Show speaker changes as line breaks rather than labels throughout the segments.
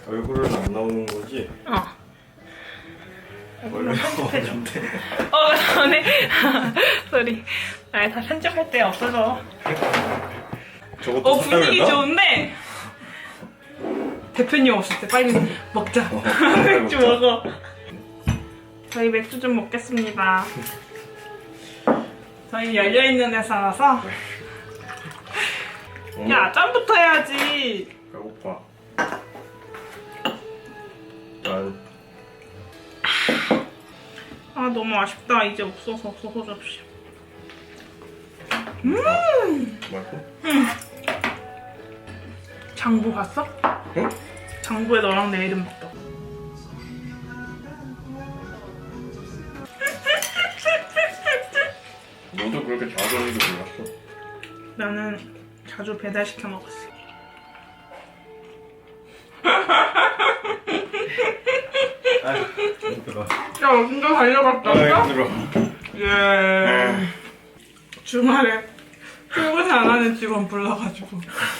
얼굴은 안 나오는 거지? 원래 나오는데.
전에 소리. 아, 다 편집할 때 없어서.
저것도
분위기
사달라?
좋은데 대표님 없을 때 빨리 먹자.
빨리
맥주
먹자.
먹어. 저희 맥주 좀 먹겠습니다. 저희 열려있는 회사라서. 야, 짬부터 해야지.
배고파. 난
아, 너무 아쉽다. 이제 없어서 접시.
말고?
장부 봤어?
응?
장부에 너랑 내 이름 봤다.
너도 그렇게 자주 하는 줄 몰랐어.
나는 자주 배달시켜 먹었어.
아유 힘들어.
야, 진짜 달려갔다.
아유 힘들어.
예. 주말에 출근 안 하는 직원 불러가지고.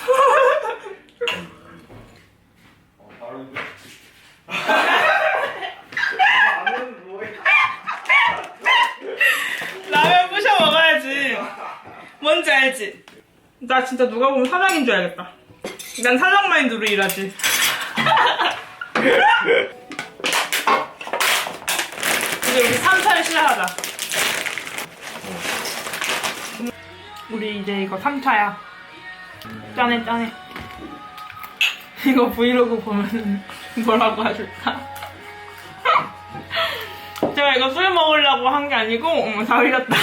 라면 부셔 먹어야지. 뭔지 알지? 나 진짜 누가 보면 사장인 줄 알겠다. 난 사장 마인드로 일하지. 이제 우리 3차를 시작하자. 우리 이제 이거 3차야. 짠해. 이거 브이로그 보면은 뭐라고 하실까? 제가 이거 술 먹으려고 한 게 아니고, 어머, 다 흘렸다.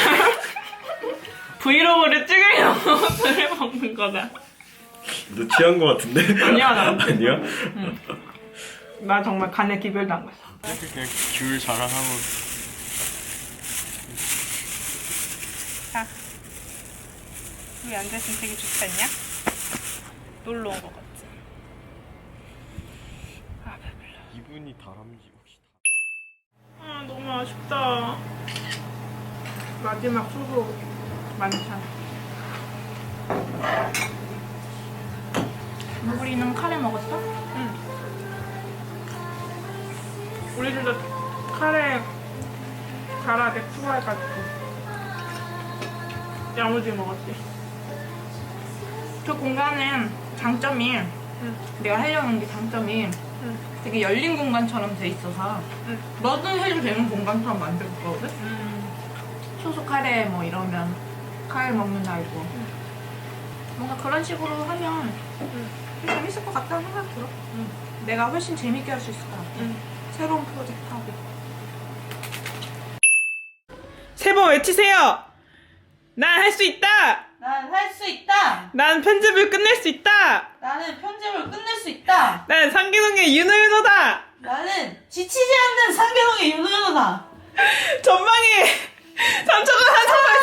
브이로그를 찍으려고 술을 먹는 거다.
너 취한 거 같은데?
아니야, 나.
아니야?
나 정말 간에 기별당했어.
그냥 귤 자랑하고.
자, 여기 앉아있으면 되게 좋지 않냐? 놀러 온 거 같지? 아, 배불러.
이분이 다람쥐 혹시
아, 너무 아쉽다. 마지막 수고 많잖아. 우리는 카레 먹었어? 응. 우리 둘 다 카레 가라게 추가해가지고 야무지게 먹었지. 저 공간은 장점이 내가 하려는 게 장점이 되게 열린 공간처럼 돼 있어서 뭐든 해도 되는 공간처럼 만들었거든? 소스 카레 뭐 이러면 카레 먹는 날이고 뭔가 그런 식으로 하면 재밌을 것 같다는 생각이 들어. 내가 훨씬 재밌게 할 수 있을 것 같아. 새로운 프로젝트 하고. 세 번 외치세요! 난 할 수 있다!
난 할 수 있다.
난 편집을 끝낼 수 있다!
나는 편집을 끝낼 수 있다.
난 상기동의 윤호윤호다!
나는 지치지 않는 상계동의 윤호연호다.
전방에 삼촌과 한참을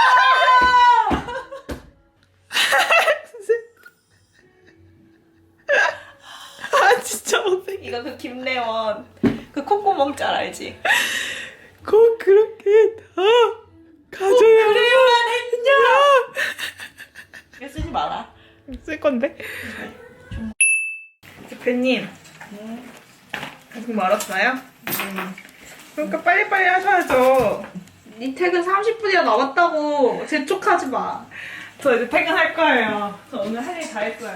아 진짜 못해.
이거 그 김래원 그 콧구멍 짤 알지?
꼭 그렇게 다 가져야
그래야만 했냐? 이거 쓰지 마라.
쓸 건데. 대표님 아직 멀었어요? 그러니까 빨리빨리 하셔야죠.
네 퇴근 30분이나 남았다고 재촉하지 마.
저 이제 퇴근할 거예요. 저 오늘 할 일 다 했어요.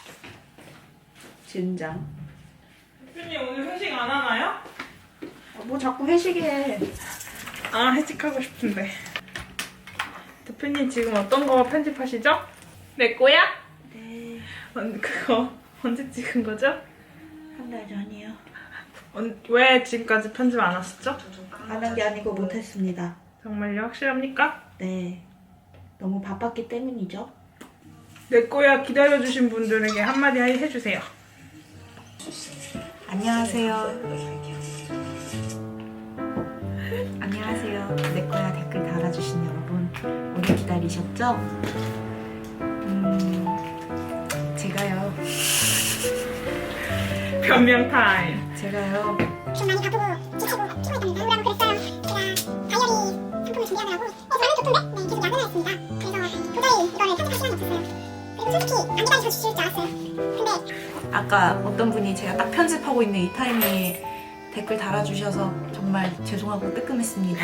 진장.
대표님 오늘 회식 안 하나요?
뭐 자꾸 회식해.
아, 회식하고 싶은데. 대표님 지금 어떤 거 편집하시죠? 내 거야?
네.
그거 언제 찍은 거죠?
한 달 전이요.
왜 지금까지 편집 안 하셨죠?
안 한 게 아니고 못했습니다.
정말요? 확실합니까?
네. 너무 바빴기 때문이죠.
내 거야 기다려주신 분들에게 한마디 해주세요.
안녕하세요. 안녕하세요. 내거야 댓글 달아주신 여러분, 오래 기다리셨죠? 제가요.
변명 타임.
제가요.
좀 많이 바쁘고 지치고 피곤했답니다. 우울하고 그랬어요. 제가 다이어리 상품을 준비하느라고 저는 좋던데 네, 계속 야근을 했습니다. 그래서 도저히 이거를 편집할 시간이 없었어요. 솔직히 안 기다려 주실 줄 알았어요. 근데
아까 어떤 분이 제가 딱 편집하고 있는 이 타이밍에 댓글 달아주셔서 정말 죄송하고 뜨끔했습니다.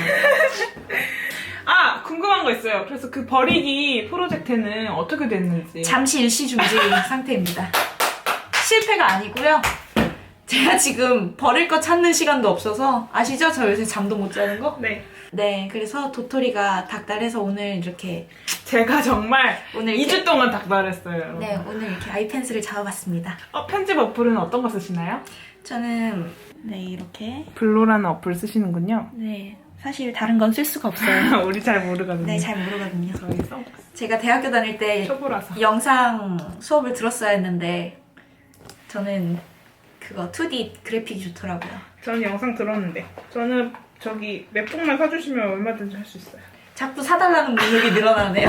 아 궁금한 거 있어요. 그래서 그 버리기 프로젝트는 어떻게 됐는지.
잠시 일시 중지 상태입니다. 실패가 아니고요. 제가 지금 버릴 거 찾는 시간도 없어서 아시죠? 저 요새 잠도 못 자는 거?
네.
네, 그래서 도토리가 닥달해서 오늘 이렇게
제가 정말
오늘
2주 동안 닥달했어요.
네, 오늘 이렇게 아이펜슬을 잡아봤습니다.
편집 어플은 어떤 거 쓰시나요?
저는 네, 이렇게
블로라는 어플 쓰시는군요.
네, 사실 다른 건 쓸 수가 없어요.
우리 잘 모르거든요.
네, 잘 모르거든요.
저희 써봤어요.
제가 대학교 다닐 때
초보라서.
영상 수업을 들었어야 했는데 저는 그거 2D 그래픽이 좋더라고요.
저는 영상 들었는데 저는 저기 맵북만 사주시면 얼마든지 할 수 있어요.
자꾸 사달라는 문력이 늘어나네요.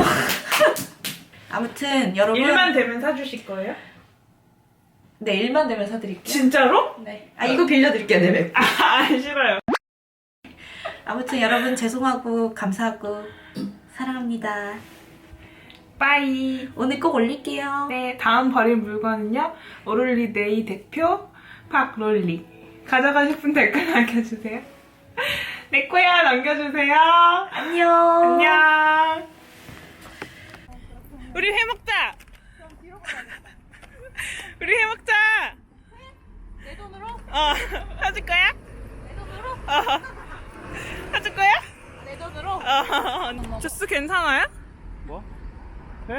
아무튼 여러분
일만 되면 사주실 거예요?
네, 일만 되면 사드릴게요.
진짜로?
네. 아, 이거 빌려드릴게요, 네, 맵.
아 싫어요.
아무튼 여러분 죄송하고 감사하고 사랑합니다.
빠이.
오늘 꼭 올릴게요.
네, 다음 버릴 물건은요. 오롤리데이 대표 박롤리. 가져가실 분 댓글 남겨주세요. 내 거야 남겨주세요.
안녕.
안녕. 우리 회 먹자. 우리 회 먹자.
내 돈으로?
사줄 거야?
내 돈으로?
사줄 거야?
내 돈으로?
주스 괜찮아요?
뭐? 회?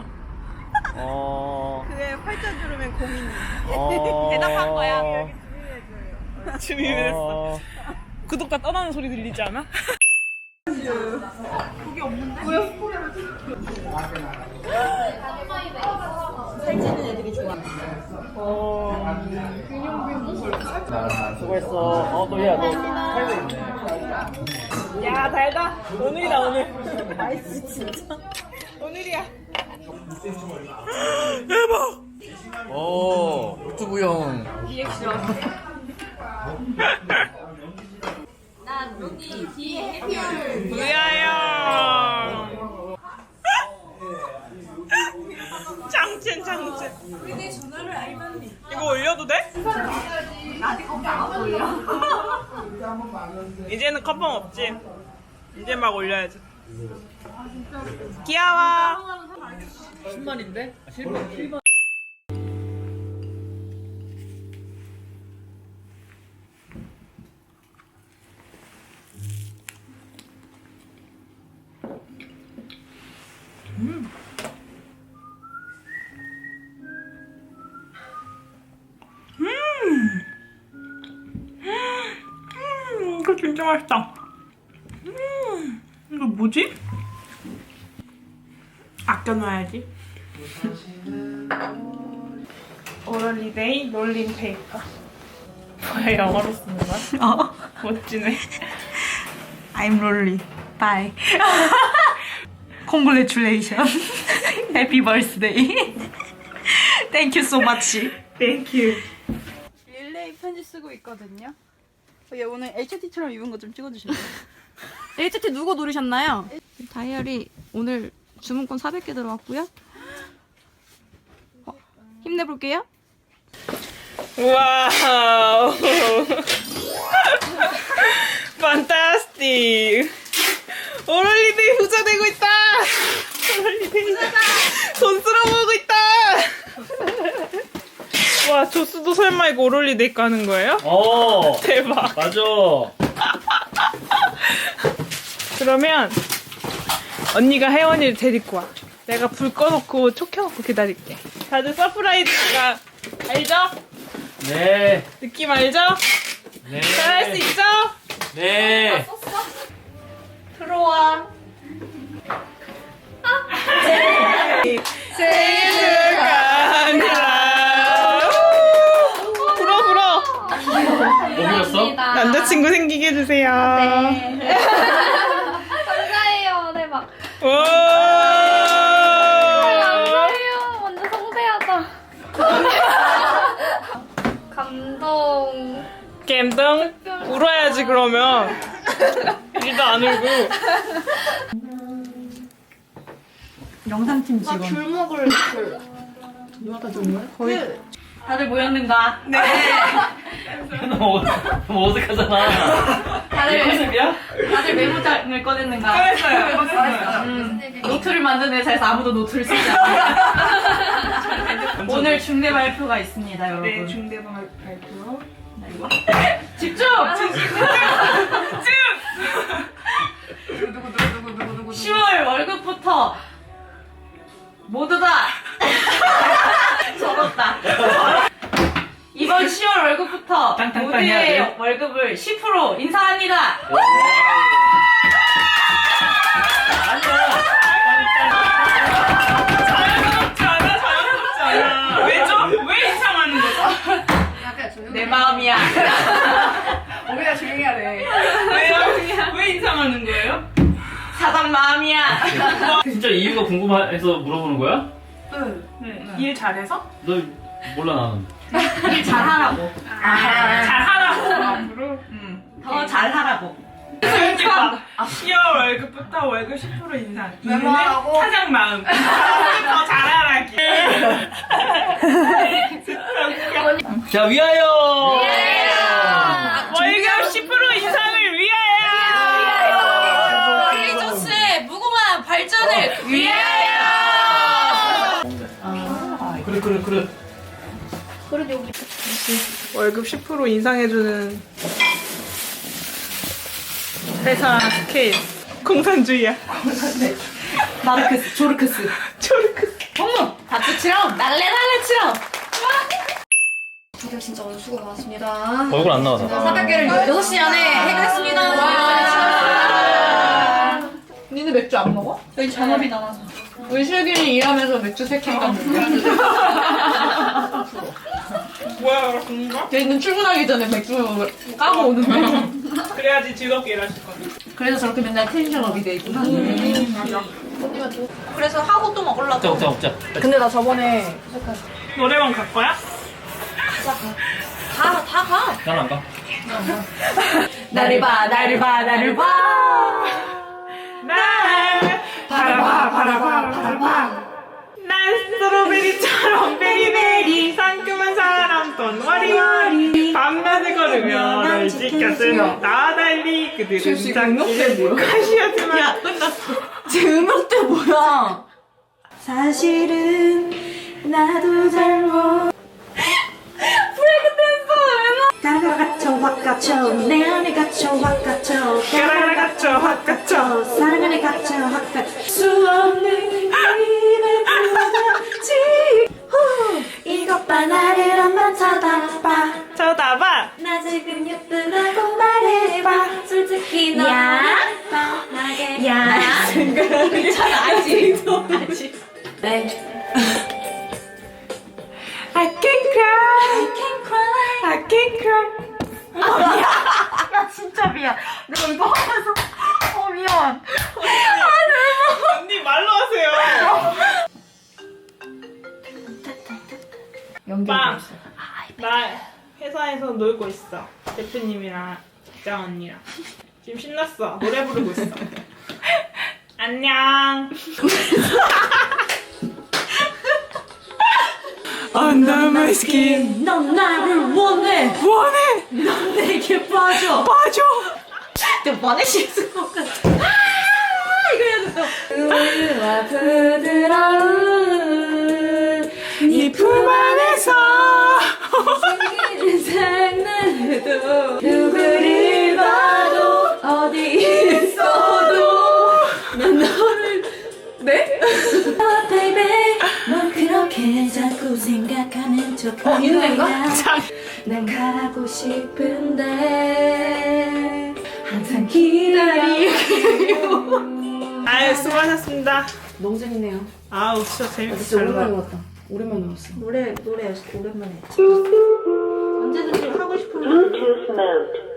어.
그게 팔자 주름엔 고민이.
대답한
거야.
준비했어. 구독자 떠나는 소리 들리지 않아?
수고했어. 너 살고 있네.
야 달다. 오늘이다 오늘. 나이스 진짜. 오늘이야. 대박.
유튜브용.
난 여기 뒤에 해피얼.
무야요. 장첸.
우리 내 전화를 알면
이거 올려도 돼?
나한테 겁이 안 보여.
이제는 컵방 없지. 이제 막 올려야지. 귀여워.
신발인데?
이거 진짜 맛있다. 이거 뭐지? 아껴놔야지. 오럴리데이 롤링 페이퍼. 뭐야 영어로 쓰는 거야? 멋지네.
I'm Lolly. Bye. Congratulations. Happy birthday. Thank you so much.
땡큐.
릴레이 편지 쓰고 있거든요. 얘 오늘 HT처럼 입은 거 좀 찍어주실래요? HT 누구 노리셨나요? 다이어리 오늘 주문권 400개 들어왔고요. 힘내볼게요.
와우. 판타스틱. 오럴리데이 부자 되고 있다. 오럴리데이 돈 쓸어먹고 있다. 와 조스도 설마 이거 오럴리데이 까는 거예요? 대박.
맞아.
그러면 언니가 혜원이를 데리고 와. 내가 불 꺼놓고 촉 켜놓고 기다릴게. 다들 서프라이즈가 알죠?
네.
느낌 알죠?
네.
잘할 수 있죠?
네.
들어와. 생일 축하합니다. 불어.
뭐 그렸어?
남자친구 생기게 해주세요.
감사해요. 대박.
오.
감사해요. 완전 성대하다. 감동.
감동. 울어야지 그러면. 우리도 안 울고.
영상팀 직원.
귤 먹을 귤.
거의 다들 모였는가?
너무 어색하잖아.
다들
컨셉이야?
다들 메모장을 꺼냈는가? 노트를 만든 회사에서 아무도 노트를 쓰지 않아요. 오늘 중대 발표가 있습니다, 여러분.
네, 중대 발표.
집중! 10월 월급부터 모두 다 적었다. 이번 10월 월급부터
땅땅땅 해야
모두의
돼요?
월급을 10% 인상합니다.
왜죠? 왜 이상하는 거죠?
내 마음이야.
우리가 조용히 하래. 왜요? 왜 이상하는 거예요?
사장 마음이야.
진짜 이유가 궁금해서 물어보는 거야?
일 잘해서?
너 몰라 나는.
일 잘하라고.
잘하라고 앞으로?
더 잘하라고.
10월 월급부터 월급 10% 인상. 이유는 사장 마음. 더 잘하라기.
자 위하여.
월급 10% 인상을 위하여.
플리조스의 무궁한 발전을 위하여.
그래.
월급 10% 인상해주는 회사 스케일. 공산주의야.
마르크스, 조르크스. 어머! 박수치럼, 날래날래치럼.
다들 진짜 오늘 수고 많았습니다.
얼굴 안 나와.
사각계를 6시 안에 해결했습니다.
니네 맥주 안 먹어?
저희 잔업이 남아서.
우리 슬기는 일하면서 맥주 3캔 깠는데.
뭐야, 그런가?
걔는 출근하기 전에 맥주 까고 오는데.
그래야지 즐겁게 일하실 거야.
그래서 저렇게 맨날 텐션업이 돼 있구나.
맞아.
그래서 하고 또 먹으려고.
먹자.
근데 나 저번에
노래방 갈 거야?
다 가.
난안 가.
나를 봐.
날 바라봐. 난 스트로베리처럼 베리베리 상큼한 사람 돈 와리와리 밤낮을 걸으며 널 지켜준 나와 달리 그들은 장기를 가시었지만
야, 끝났어. 제 음역대 뭐야? 사실은 나도 잘못.
가라 갇혀 확 갇혀 내 안에 갇혀 확 갇혀
가라라 갇혀 확 갇혀
사랑 안에 갇혀 확 갇혀 수 없는 힘을 불어지 이것 봐 나를 한번 쳐다봐 나 지금 예쁘다고 말해봐 솔직히 너 뻔하게 야
괜찮아, 알지?
네
I can cry I can cry
야, 진짜 미안. 내가 이거 하면서. 미안.
언니 말로 하세요 빵! 나 회사에서 놀고 있어 대표님이랑 직장 언니랑 지금 신났어 노래 부르고 있어 안녕 Under my skin
넌 나를 원해. 넌 내게 빠져. 내가 보내실 것 같아. 이거 해야 된다. 우유와 부드러운
네 품 안에서
생기는 장난해도 누구를 봐도 어디 있어도 난 너를 네?
baby 넌 그렇게 자꾸 생각하는 척
있는 거?
난 가고 싶은데 항상 기다리고
아유 수고하셨습니다
너무 재밌네요.
아우 진짜 재밌게 잘 놀았다
왔다. 오랜만에 왔어.
노래 오랜만에
언제든지 하고 싶으면.